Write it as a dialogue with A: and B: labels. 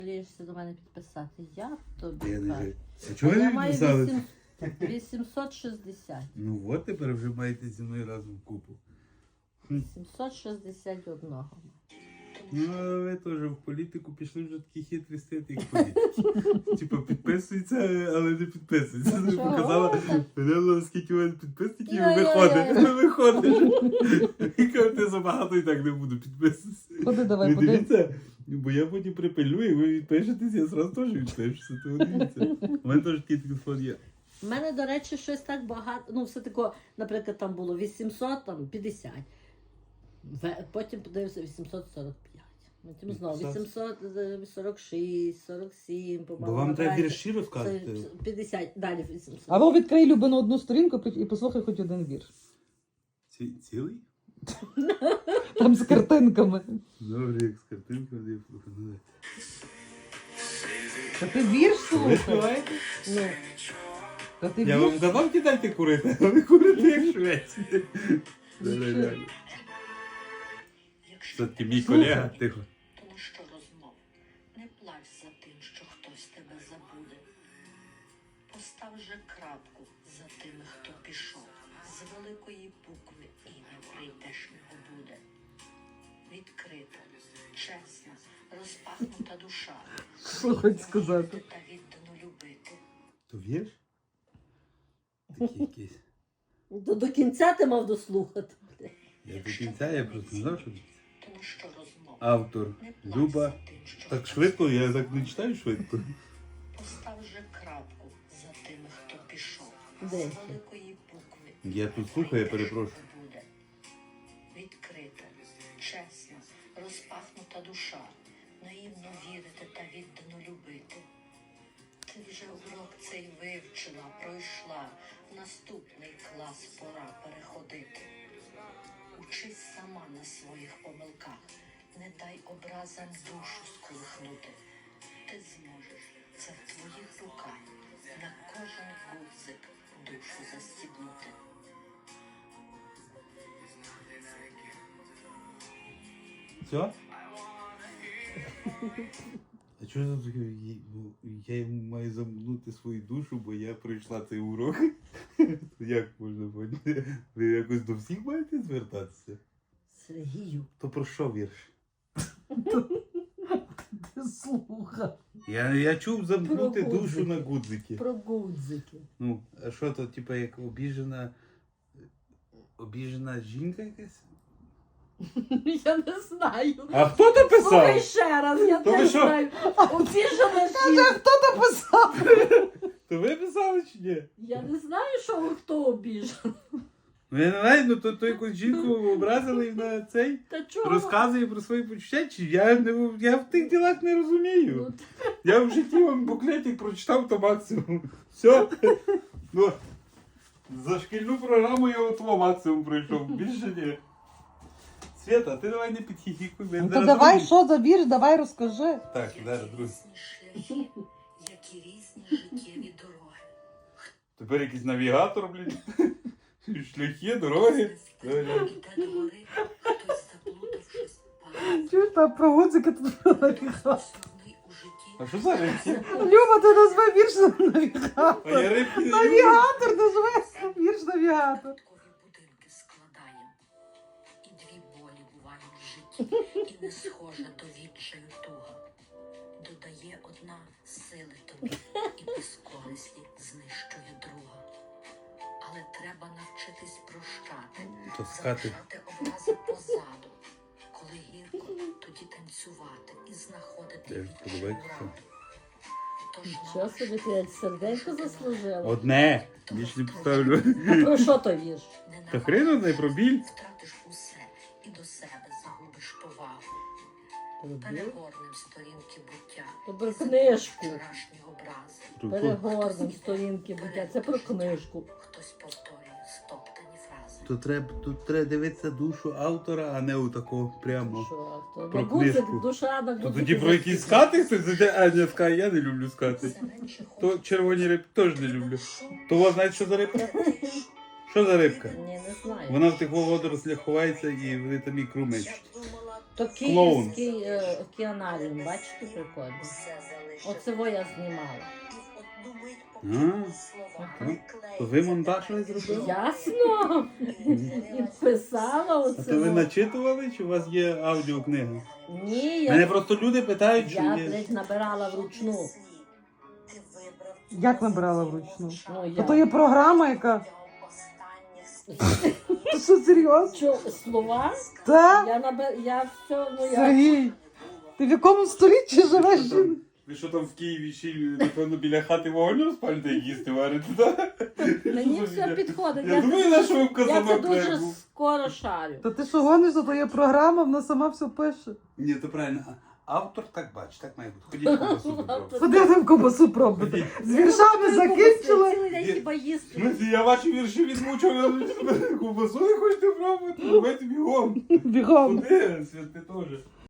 A: Ліжся до мене підписати. Я тобі
B: Я не
A: кажу.
B: знаю. А чого ви
A: Я
B: не
A: маю
B: підписали?
A: 860.
B: Ну от тепер вже маєте зі мною разом купу.
A: 761.
B: Ну, а ви теж в політику пішли вже такі хитрі стати, як політики. Типа підписуються, але не підписуються. Ти
A: Чого?
B: показала, мене скільки у мене підписників,
A: Йо-йо-йо.
B: виходиш. І кажу, ти забагато і так не буду підписуватися.
C: Ходи, давай,
B: Ви
C: подивимось.
B: дивіться, бо я потім припилюю, і ви відпишетесь, я зразу теж відпишуся. То дивіться. У мене теж такий телефон є.
A: У мене, до речі, щось так багато. Ну, все тако, наприклад, там було 850. Потім подивився 845. Потім знову 846, 47,
B: Бо
A: по-моєму.
B: вам треба
A: набирається.
B: вірші розказати.
A: 50, далі 800.
C: Або відкрий любину одну сторінку і послухай хоч один вірш.
B: Цілий?
C: Там з картинками.
B: Добре, як з картинкою, я пропоную.
C: Та ти вірш
B: Ви
C: слухай.
B: співаєте?
A: Ну,
C: Та ти
B: Я вам
C: вірш.
B: казав кидайте курити, а ви курите як швеці. Реально. Все-таки мій колега, тихо.
D: Тому що розмов, не плач за тим, що хтось тебе забуде. Постав же крапку за тими, хто пішов. З великої букви ім'я прийдешнього буде. Відкрита, чесна, розпахнута душа.
C: Що хоч сказати?
D: Та віддано любити.
B: То вірш? Такий якийсь.
A: до кінця ти мав дослухати.
B: Я до кінця, я просто не знав, що
D: Тому що розмов,
B: автор
D: не плач
B: Люба.
D: за тим, що
B: Так
D: хтось
B: швидко, я так не читаю швидко.
D: Постав же крапку за тими, хто пішов. З
A: Де?
D: великої букви.
B: Я тут слухаю, я перепрошую.
D: Буде. Відкрита, чесна, розпахнута душа. Наївно вірити та віддано любити. Ти вже урок цей вивчила, пройшла. В наступний клас пора переходити. Учись сама на своїх помилках. Не дай образам душу сколихнути. Ти зможеш, це в твоїх руках. На кожен гудзик душу застібнути.
B: Все? А чого за таке? Я маю замкнути свою душу, бо я пройшла цей урок. Як можна поняти? Ви якось до всіх маєте звертатися?
A: Сергію.
B: То про що вірш?
C: Ти слухай.
B: Я чув замкнути
A: Про
B: душу
A: гудзики.
B: на гудзики.
A: Про гудзики.
B: Ну, а що то, типа, як обіжена жінка якась?
A: Я не знаю.
B: А хто то
A: Слухай
B: писав?
A: ще раз, я
B: То ви
A: не
B: що?
A: знаю. Обіжена жінка.
C: Хто написав?
B: То ви писали чи ні?
A: Я не знаю, що хто обіжений.
B: Ну я не знаю, ну то якусь жінку образили і на цей
A: Та чого?
B: розказує про свої почуття, чи я в тих ділах не розумію.
A: Ну,
B: Я в житті вам буклетик прочитав, то максимум. Все. Ну, за шкільну програму я от максимум пройшов, більше ні. Свята, ти давай не підхіхікуй.
C: Ну то давай, що за вірш, давай розкажи.
B: Так, зараз, друзі.
D: Різні шляхи, як і різні життєві дороги.
B: Тепер якийсь навігатор, блін. Шляхи, дороги.
D: Іде до гори, хтось заплутавшись, падає.
C: Чуєш, там про гудзики тут
D: Основний у житті.
B: А що за рибки?
C: Люба, ти назви вірш навігатор.
B: А я рибки не люблю.
C: Навігатор, назви вірш навігатор.
D: Квіткові будинки складаєм. І дві болі бувають в житті, і не схожа до відчаю туга. Додає одна сили тобі, і безкорисні знищує друга. Але треба навчитись прощати,
B: Таскати.
D: залишати образи позаду. Коли гірко, тоді танцювати і знаходити
B: Теж
D: вічну
B: подобається.
D: раду. Тож
A: Що собі ти як серденько заслужила?
B: Одне. Більше не поставлю.
A: А про що то вірш?
B: Та хрен одне, про біль.
D: Втратиш усе і до себе загубиш повагу.
A: Про біль?
D: Перегорнем сторінки буття.
A: То про книжку.
D: Вчорашні образи.
A: Перегорнем сторінки буття. Це про книжку.
D: Хтось повторює стоптані фрази.
B: Тут треба дивитися душу автора, а не у такого прямо.
A: Що? То
B: Про
A: на гудзик,
B: книжку.
A: душа на
B: То
A: гудзики.
B: тоді про якісь скати хтось зайде, а не скай, я не люблю скати.
D: Все менше
B: То
D: хочеться
B: червоні рибки теж не люблю. То у вас знаєте, що за рибка? Що за рибка?
A: Ні, не знаю.
B: Вона в тих водорослях ховається і вони там ікру мечуть.
A: То То
B: Клоун.
A: київський океанаріум, бачите, прикольно. Оце во я знімала.
B: То ви монтаж щось зробили?
A: Ясно. І писала
B: А
A: оце.
B: то ви
A: во.
B: начитували, чи у вас є аудіокнига?
A: Ні,
B: Мене
A: я,
B: просто люди питають, чи
A: я
B: є.
A: блядь, набирала вручну.
C: Як набирала вручну?
A: Ну,
C: А
A: я.
C: то є програма, яка. Ти що, серйозно?
A: Що, слова?
C: Та?
A: Я все, ну я...
C: Сергій, ти в якому столітті живеш? жін?
B: Ви що там в Києві ще, напевно, біля хати вогонь розпалюєте, як їсти варите, так?
A: Мені все підходить.
B: Я думаю, на що ви в
A: Я це
B: казанок
A: дуже
B: треба.
A: скоро шарю.
C: Та ти що гониш, то є програма, вона сама все пише.
B: Ні, то правильно. Автор так бачить, так має бути. Ходіть ковбасу попробуйте.
C: Ходи там ковбасу пробувати. З віршами закінчили.
A: Цілий день хіба їсти.
B: Смислі, я ваші вірші відмучив, я ковбасу не хочете пробувати? Давайте бігом.
C: Бігом.
B: Куди? Свят, ти теж.